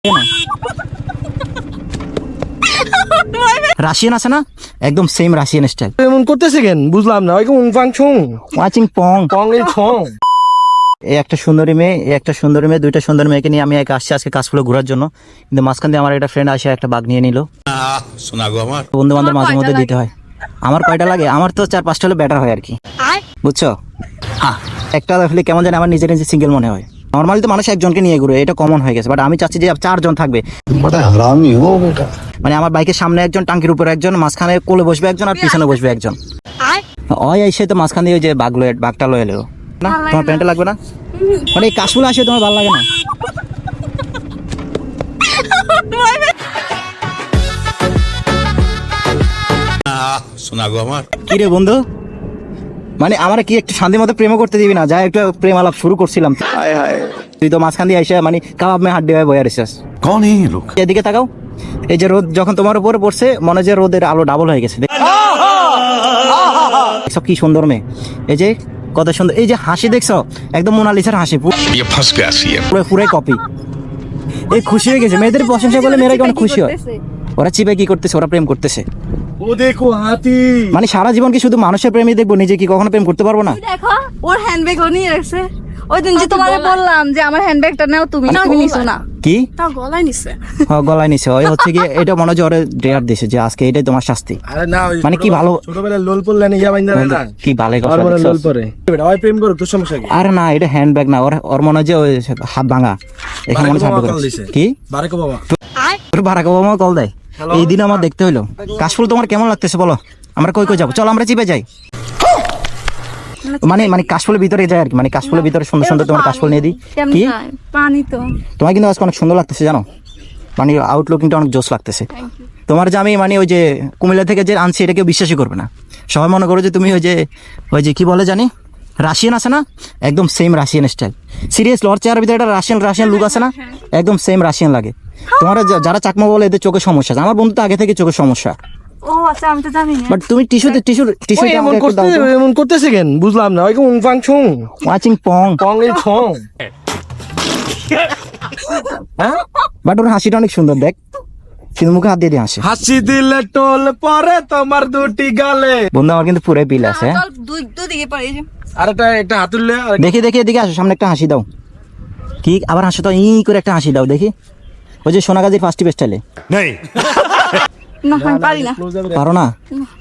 Russian আছে না, একদম সেম রাশিয়ান স্টাইল। এমন করতেছে কেন বুঝলাম না। ওইরকম উংফাং ছুং ওয়াচিং পং পং এই ছং। এই একটা সুন্দরী মেয়ে, এই একটা সুন্দরী মেয়ে, দুইটা সুন্দর মেয়েকে নিয়ে আমি আসছি আজকে কাশফুলে ঘোরার জন্য। কিন্তু মাঝখান দিয়ে আমার একটা ফ্রেন্ড আসে একটা বাঘ নিয়ে নিল। বন্ধু বান্ধব মাঝে মধ্যে দিতে হয়। আমার কয়টা লাগে? আমার তো 4-5টা হলে বেটার হয় আর কি, বুঝছো? একটা দেখলে কেমন জানি আমার নিজের নিজে সিঙ্গেল মনে হয়। নর্মালি তো মানুষ একজনকে নিয়ে ঘুরে, এটা কমন হয়ে গেছে, বাট আমি চাচ্ছি যে 4 জন থাকবে। মানে আমার বাইকের সামনে একজন, টাঙ্কির উপরে একজন, মাঝখানে কোলে বসবে একজন, আর পিছনে বসবে একজন। ওই এসে তো মাঝখান দিয়ে ওই যে বাঘটা লয়ে এলো না। তোমার প্যান্টটা লাগবে না? মানে এই কাশফুলে আসে তোমার ভালো লাগে না? কি রে বন্ধু, মানে আমার কি একটু শান্তি মতো প্রেমও করতে দিবি না? যা একটু প্রেম আলাপ শুরু করছিলাম, তুই তো মাঝখান দিয়ে এসে মানে কাবাব মে হাড্ডি হয়ে বয়ে রেছিস। এদিকে তাকাও, এই যে রোদ যখন তোমার উপরে পড়ছে, মনে যে রোদের আলো ডাবল হয়ে গেছে। সব কি সুন্দর মেয়ে, এই যে কত সুন্দর, এই যে হাসি দেখছো, একদম মোনালিসার হাসি, পুরো কপি। এই খুশি হয়ে গেছে, মেয়েদের প্রশংসা করলে মেয়েরা কেমন খুশি হয়। ওরা চিপে কি করতেছে? ওরা প্রেম করতেছে। ও দেখো হাতি, মানে সারা জীবন কি শুধু মানুষের প্রেমই দেখবো, নিজে কি কখনো প্রেম করতে পারবো না? দেখো ওর হ্যান্ডব্যাগ ও নিয়ে রাখছে। ওই দিন যে তোমারে বললাম যে আমার হ্যান্ডব্যাগটা নাও, তুমি নিছো না। কি গলায় নিছে? হ্যাঁ গলায় নিছে। ওই হচ্ছে কি, এটা মনে হয় ওরে ডেয়ার দিছে যে আজকে এটাই তোমার শাস্তি। আরে না, মানে কি ভালো ছোটবেলায় লোল পড়লে না ইয়া বাইন্দা না কি ভালো আর মনে লোল পড়ে ওই প্রেম করো তো সমস্যা কি? আরে না, এটা হ্যান্ডব্যাগ না, ওর মনে হয় যে ওই হাত ভাঙা, এখানে মনে ছাড় কি বারাক বাবা, তোর বারাক বাবা কল দেয়। এই দিন আমার দেখতে হইলো। কাশফুল তোমার কেমন লাগতেছে বলো? আমরা কই যাবো? চলো আমরা চিপে যাই। মানে কাশফুলের ভিতরে যায় আর কি, মানে কাশফুলের ভিতরে সুন্দর সুন্দর তোমার কাশফুল নিয়ে দিই। কি পানি তো তোমার কিন্তু আজকে অনেক সুন্দর লাগতেছে জানো, মানে আউটলুকিংটা অনেক জোস লাগতেছে তোমার। যে আমি মানে ওই যে কুমিল্লা থেকে যে আনছি, এটা কেউ বিশ্বাসই করবে না। সবাই মনে করো যে তুমি ওই যে কি বলে জানি, রাশিয়ান আছে না, একদম সেম রাশিয়ান স্টাইল। সিরিয়াসলি ওর চেহারার ভিতরে একটা রাশিয়ান লুক আছে না, একদম সেম রাশিয়ান লাগে। তোমার যারা চাকমা বলে এদের চোখের সমস্যা, আমার বন্ধু তো আগে থেকে চোখের সমস্যা। ও আচ্ছা, আমি তো জানি না। বাট তুমি টিস্যু এমন করতেছে কেন বুঝলাম না। ওইরকম উংফাং ছুং ওয়াচিং পং পং এই ছং। বাট ওর হাসিটা অনেক সুন্দর, দেখ কিন্তু মুখে হাত দিয়ে দিয়ে হাসে। হাসি দিলে টোল পরে তোমার দুটি গালে। বন্ধু আমার কিন্তু পুরো পিল আছে। চল দুই দিকে পারে। আর একটা হাত তুললে দেখি এদিকে আসো, সামনে একটা হাসি দাও। কি আবার হাসো তো, ই করে একটা হাসি দাও দেখি, ওই যে সোনাগাজীর ফার্স্ট স্টাইলে। না আমি পারি না। পারো না?